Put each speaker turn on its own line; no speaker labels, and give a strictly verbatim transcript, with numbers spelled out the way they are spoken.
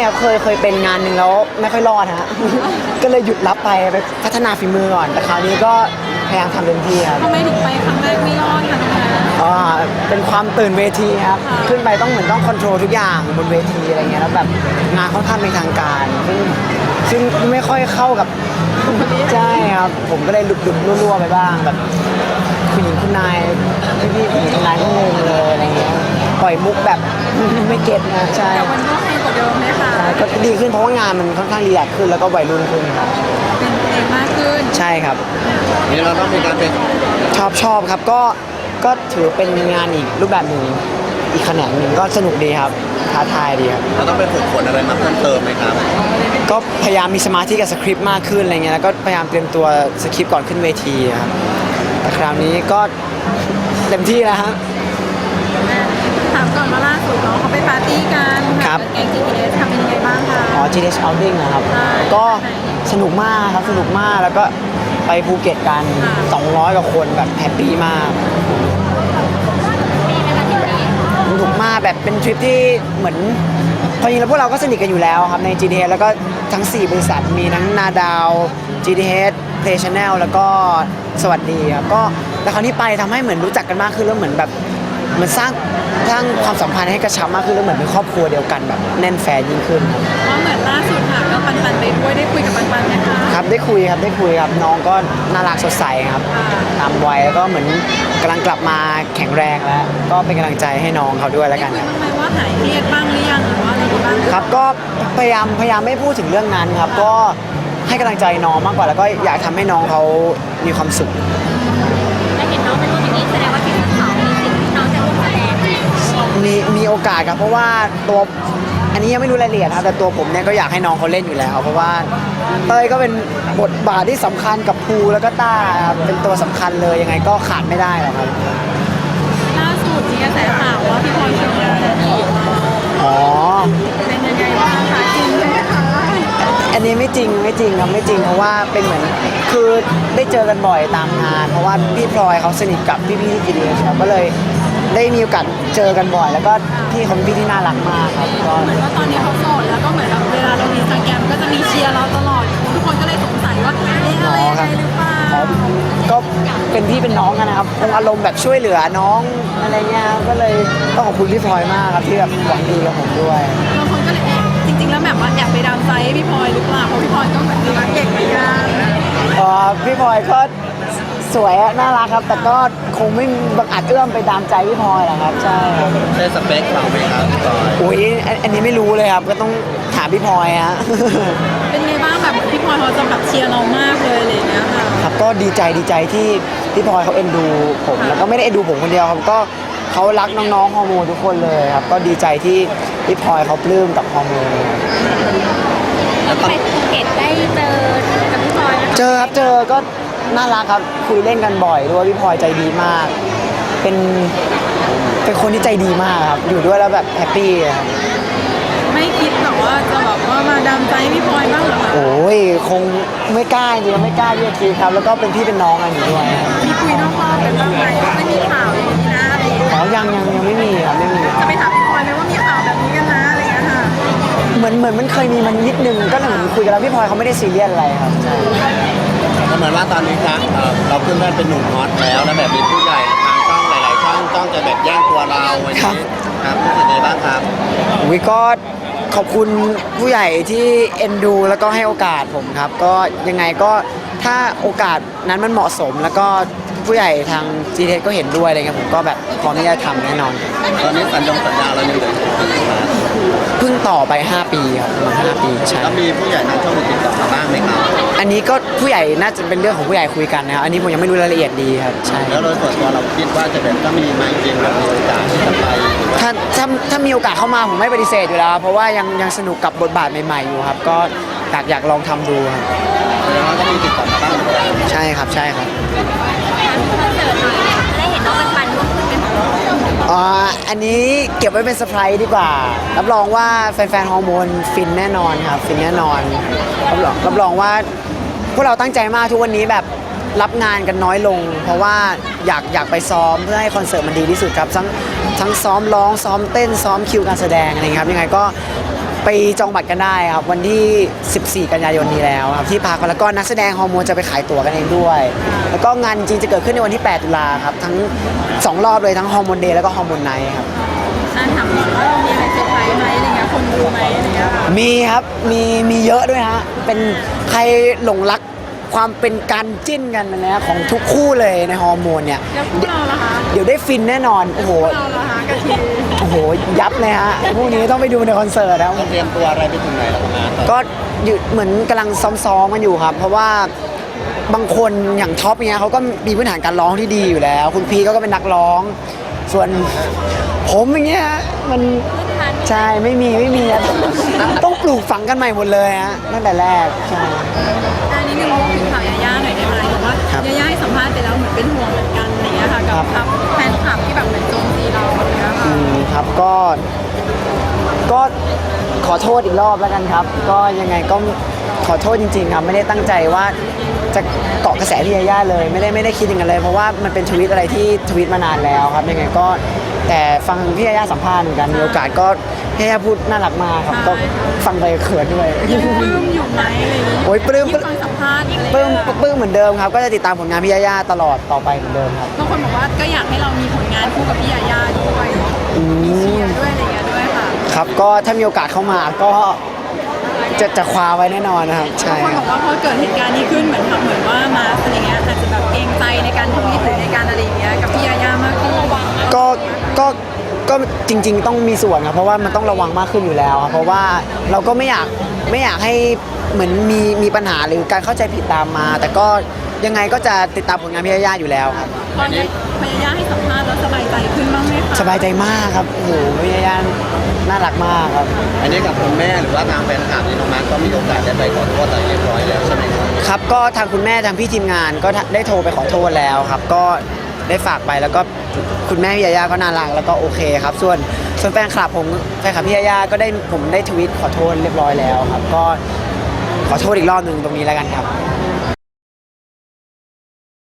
ครับเคยเคยเป็นงานหนึ่งแล้วไม่ค่อยรอดฮะ ก็เลยหยุดรับไปไปพัฒนาฝีมือก่อนแต่คราวนี้ก็พยายามทำเต็มที่ครับ
ทำไมถึงไปครั้งแรกไม่รอดคะน้องแพร
อ่าเป็นความตื่นเวทีครับขึ้นไปต้องเหมือนต้องคอนโทรลทุกอย่างบนเวทีอะไรเงี้ยแล้วแบบงานค่อนข้างเป็นทางการซึ่งซึ่งไม่ค่อยเข้ากับ ใช่ครับผมก็เลยหลุดหลุดรั่วๆไปบ้างแบบคุณหญิงคุณนายพี่พี่ผู้หญิงคุณนายก็งงเลยอะไรเงี้ยปล่อยมุกแบบ ไม่เก็ตนะใช่
แต่วันนี้ก็ให้กว่าเดิมไหมคะ
ใช่ก็ดีขึ้นเพราะว่างานมันค่อนข้างรีแลกซ์ขึ้นแล้วก็วัยรุ่นขึ้นครับ
เป็นเพลงมากขึ้น
ใช่ครับ
นี่เราต้องมีการเป็น
ชอบชอบครับก็ก็ถือเป็นงานอีกรูปแบบหนึ่งอีกแขนงหนึ่งก็สนุกดีครับท้าทายดีครับ
เราต้องไปฝึกฝนอะไรมาเพิ่มเติมไหมครับ
ก็พยายามมีสมาธิกับสคริปต์มากขึ้นอะไรเงี้ยแล้วก็พยายามเตรียมตัวสคริปต์ก่อนขึ้นเวทีครับแต่คราวนี้ก็เต็มที่แล้วฮะ
ถามก่อนว่าล่าสุดเนาะเขาไปปาร์ตี้กัน
ครับ
แก๊ง จี พี เอส ทำเป็นยังไงบ้างคะ
อ๋อ จี ดี เอส Outing นะครับ
ใช่
ก็สนุกมากครับสนุกมากแล้วก็ไปภูเก็ตกัน
ค่ะ
สองร้อยกว่าคนแบบแฮปปี้มากสนุกมากแบบเป็นทริปที่เหมือนพอจริงแล้วพวกเราก็สนิทกันอยู่แล้วครับใน จี ดี เอส แล้วก็ทั้ง สี่ บริษัทมีทั้งนาดาว จี ดี เอส Play Channel แล้วก็สวัสดีครับก็แต่คราวนี้ไปทำให้เหมือนรู้จักกันมากขึ้นแล้วเหมือนแบบเหมันสร้างสร้างความสัมพันธ์ให้กระชับมากขึ้นแล้วเหมือนเป็นครอบครัวเดียวกันแบบแน่นแฟนยิ่งขึ้นครับ
ว่าเหมือนล่าสุดค่ะก็ปันปันๆไปด้วยได้คุยกับปันปันๆไหมคะ
ครับได้คุยครับได้คุยครับน้องก็น่ารักสดใสครับตามวัยแล้วก็เหมือนกำลังกลับมาแข็งแรงแล้ว ก็เป็นกำลังใจให้น้องเขาด้วยแล้วกัน
ได้
ครับ
คุยบ้างไหมว่าหายเครียดบ้างหรือยังหรือว่าอะไรบ้าง
ครับก็พยายามพยายามไม่พูดถึงเรื่องนั้นครับก็ให้กำลังใจน้องมากกว่าแล้วก็อยากทำให้น้องเขามีความสุข
ได้เห็นน้องเป็นคนอย่างนี้แสดงว่าที่เขามีสิ่งที่น้องจะร่วมแสดง
มีมีโอกาสครับเพราะว่าตัวอันนี้ยังไม่รู้รายละเอียดครับแต่ตัวผมเนี่ยก็อยากให้น้องเขาเล่นอยู่แล้ว เพราะว่าเต้ยก็เป็นบทบาทที่สำคัญกับภูแล้วก็ต้าครับเป็นตัวสำคัญเลยยังไงก็ขาดไม่ได้หรอกครับ
ๆล่าสุดมีกระแสข่าวว่าพี่พลอยเชียงรายอีก
อ๋อ
เป็นยังไงบ้างคะจริงไหมคะ
อันนี้ไม่จริงไม่จริงครับไม่จริงเพราะว่าเป็นเหมือนคือได้เจอกันบ่อยตามงาน เพราะว่าพี่พลอยเขาสนิทกับพี่พี่ที่จีดีครับก็เลยได้มีโอกาสเจอกันบ่อย แล้วก็พี่เขาเป็นพี่ที่น่ารักมากครับก็
เหมือนว่าตอนนี้เขาโสดแล้วก็เหมือนแบบเวลาเรามีสแกมก็จะมีเชียร์เราตลอดทุกคนก็เลยสงสัยว่าเอ๊ะอะไรยังไงหรือเปล่า
ครับก็เป็นพี่เป็นน้องกันนะครับคงอารมณ์แบบช่วยเหลือน้องอะไรเงี้ยครับก็เลยต้องขอบคุณพี่พลอยมากครับที่แบบหวังดีกับผมด้วย
บางคนก็เลยเอ๊ะจริงๆแล้วแบบว่าแอบไปดามใจให้พี่พลอยหรือเปล่าเพราะพี่พลอยก็เหมือนรักเก่งเหมือนกัน
เอ่อพี่พลอยก็สวยอะน่ารักครับ แต่ก็คงไม่บังอาจเอื้อมไปตามใจพี่พลอยหรอกครับใช่ครับ
ใช่สเปคเราไหมครับพี่บอย
อุ้ยอันอันนี้ไม่รู้เลยครับก็ต้องถามพี่พลอยฮะ
เป็นไงบ้างแบบพี่พลอยเขาจะแบบเชียร์เรามากเลยอะไรอย่างเงี้ยค่ะ
ครับก็ดีใจดีใจที่พี่พลอยเขาเอ็นดูผมแล้วก็ไม่ได้เอ็นดูผมคนเดียวครับก็เขารักน้องๆฮอร์โมนทุกคนเลยครับก็ดีใจที่พี่พลอยเขาปลื้มกับฮอร์โมน
แล้วไปภูเก็ตได้เจอกับพี่พลอยนะคะ
เจอครับเจอก็น่ารักครับคุยเล่นกันบ่อยด้วยพี่พลอยใจดีมาก เป็นเป็นคนที่ใจดีมากครับอยู่ด้วยแล้วแบบแฮปปี้ครับ
ไม่คิดแบบว่าจะแบบว่ามาดามใจพี่พลอยบ้างเหรอคะ
โอ้ยคงไม่กล้าจริงๆไม่กล้าที่จะคิดครับแล้วก็เป็นพี่เป็นน้องกันอยู่ด้วยครับ
มีคุยนอกรอบกันบ้างไหมว่าไม่มีข่าวอย่างนี้นะอะไรอย่างเงี้ย
อ๋อยังยังยังไม่มีครับไม่มีค
จะ
รับ
ไปถามพี่พลอยไหมว่ามีข่าวแบบนี้กันนะอะไรอย่างเงี้ยค่ะ
เหมือนเหมือนมันเคยมีมันนิดนึงก็เหมือนคุยกันแล้วพี่พลอยเขาไม่ได้ซีเรียสอะไรครับใช่
ก็เหมือนว่าตอนนี้ครับเอ่อเราขึ้นได้เป็นหนุ่มฮอตแล้วแล้วแบบมีผู้ใหญ่ทางช่องหลายๆช่องจ้องจะแบบแย่งตัวเราวันนี้ครับรู้สึกไงบ้างครับ
วิก็ขอบคุณผู้ใหญ่ที่เอ็นดูแล้วก็ให้โอกาสผมครับ ก็ยังไงก็ถ้าโอกาสนั้นมันเหมาะสม แล้วก็ผู้ใหญ่ทาง จี ที เอส ก็เห็นด้วยอะไรเงี้ยผมก็แบบพร้อมที่จะทำแน่นอน
ตอนนี้สัญญงสัญญาเรายังเหลืออยู่กี่ปีครับ
เพิ่งต่อไป ห้า ปีครับประมาณห้าปีใช่
แล้วมีผู้ใหญ่ทางช่องติดต่อมาบ้างไหมครับ
อันนี้ก็ผู้ใหญ่น่าจะเป็นเรื่องของผู้ใหญ่คุยกันนะครับอันนี้ผมยังไม่รู้รายละเอียดดีครับใช่
แล้วโดยส่วนตัวเราคิดว่าจะเป็นถ้ามีไหมจริงแบบมีโอกาสที่จะไปหรือว่า
ถ้าถ้าถ้ามีโอกาสเข้ามาผมไม่ปฏิเสธอยู่แล้วครับเพราะว่ายังยังสนุกกับบทบาทใหม่ๆอยู่ครับ ก็อยากอยากลองทำดูครับ
แสดงว่าก็มีติดต่อมาบ้างเหมือนกัน
ใช่ครับใช่ครับ
คอนเสิร์ตหน่อยจะได้เห็นน้องปันปันร่วมขึ้นเป็นของเรา
อ่าอันนี้เก็บไว้เป็นเซอร์ไพรส์ดีกว่า รับรองว่าแฟนๆฮอร์โมนฟินแน่นอนครับฟินแน่นอนรับรองรับรองว่าพวกเราตั้งใจมากทุกวันนี้แบบรับงานกันน้อยลง เพราะว่าอยากอยากไปซ้อมเพื่อให้คอนเสิร์ตมันดีที่สุดครับทั้งทั้งซ้อมร้องซ้อมเต้นซ้อมคิวการแสดงอะไรเงี้ยครับยังไงก็ไปจองบัตรกันได้ครับวันที่ สิบสี่ กันยายนนี้แล้วครับที่พาร์คแล้วก็นักแสดงฮอร์โมนจะไปขายตั๋วกันเองด้วย แล้วก็งานจริงจะเกิดขึ้นในวันที่ แปด ตุลาครับทั้งสองรอบเลยทั้งฮอร์โมนเดย์แล้วก็ฮอร์โมนไนท์ครับ
อ่ะถามก่อนว่าเรามีอะไรเซอร์ไพรส์ไหมอะไรเงี้ยคนดูไหมอะไรเงี้ยค่ะ
มีครับมีมีเยอะด้วยฮะเป็นใครหลงรักความเป็นการจิ้นกันนะของทุกคู่เลยในฮอร์โมนเนี่ย
แล้วพวกเราล่ะคะ
เดี๋ยวได้ฟินแน่นอนโอ้โห
พวกเราล่ะคะกะทิ
โอ้โหยับเลยฮะพวกนี้ต้องไปดูในคอนเสิร์ตแล้ว
เราเตรียมตัวอะไรไปถึงไหนแล้วครับมาตอน
ก็อยู่เหมือนกำลังซ้อมๆกันอยู่ครับ เพราะว่าบางคนอย่างท็อปเนี้ยเขาก็มีพื้นฐานการร้องที่ดีอยู่แล้ว คุณพีเขาก็เป็นนักร้อง ส่วนผมอย่างเงี้ยมันใช่ไม่มีไม่มีอะต้องปลูกฝังกันใหม่หมดเลยฮะตั้งแต่แรกใช่
อันนี้หนึ่งพูดถึงข่าวยาย่าหน่อยได้ไหมบอกว่า
ครับ
ยาย่าให้สัมภาษณ์ไปแล้วเหมือนเป็นห่วงเหมือนกันอะไรเงี้ยค่ะกับ
ครับ
แฟนคลับที่แบบเหมือนโจมตีเราอะไรเงี้ย
อื
ค่ะ
มครับก็ก็ขอโทษอีกรอบแล้วกันครับ ก็ยังไงก็ขอโทษจริงๆครับไม่ได้ตั้งใจว่าจะเกาะกระแสพี่ยาย่าเลยไม่ได้ไม่ได้คิดอย่างนั้นเลย เพราะว่ามันเป็นทวิตอะไรที่ทวิตมานานแล้วครับยังไงก็แต่ฟังพี่ยาย่าสัมภาษณ์เหมือนกันมีโอกาสก็พี่ยาย่าพูดน่ารักมากครับก็ฟังไปเขินด้วย
ยังปลื้มอยู่ไหมอะไรอย่างงี้
โอ้ยปลื้ม
ที่ฟังสัมภาษณ์อะไร
ปลื้ม
เงี้ย
ปลื้มเหมือนเดิมครับ ก็จะติดตามผลงานพี่ยาย่าตลอดต่อไปเหมือนเดิมครับ
บางคนบอกว่าก็อยากให้เรามีผลงานคู่กับพี่ยาย่าด้วย
อื
มีเชีย
ม
ร์ด้วยอะไรเงี้ยด้วยค่ะ
ครับก็ถ้ามีโอกาสเข้ามาก็จะจะคว้าไว้แน่นอนนะครับใช่
บางคน
ครับ
บอกว่าพอเกิดเหตุการณ์นี้ขึ้นเหมือนทำเหมือนว่ามาอะไรเงี้ยอาจจะแบบเกรงใจในการทวีตหรือในการอะไรอย่างเงี้ยกับพี่ยาย่ามากขึ้น
ก็ก็ก็จริง ๆ ต้องมีส่วนครับเพราะว่ามันต้องระวังมากขึ้นอยู่แล้วครับเพราะว่าเราก็ไม่อยากไม่อยากให้เหมือนมีมีปัญหาหรือการเข้าใจผิดตามมา แต่ก็ยังไงก็จะติดตามผลงานพี่ยาย่าอยู่แล้วครับ
ตอนนี้พยายามให้สัมภาษณ์แล้วสบายใจขึ้นบ้างไหมคะ
สบายใจมากครับโอ้โหพี่ยาย่าน่ารักมากครับ
อันนี้กับคุณแม่หรือว่าทางแฟนคลับนี่น้องมาร์คก็มีโอกาสได้ไปขอโทษอะไรเรียบร้อยแล้วใช่ไหมครับ
ครับก็ทางคุณแม่ทางพี่ทีมงานก็ได้โทรไปขอโทษแล้วครับ ก็ได้ฝากไปแล้วก็คุณแม่พี่ยาย่าก็น่ารักแล้วก็โอเคครับ ส่วนส่วนแฟนคลับผมแฟนคลับพี่ยาย่าก็ได้ผมได้ทวิตขอโทษเรียบร้อยแล้วครับ ก็ขอโทษอีกรอบหนึ่งตรงนี้แล้วกันครับ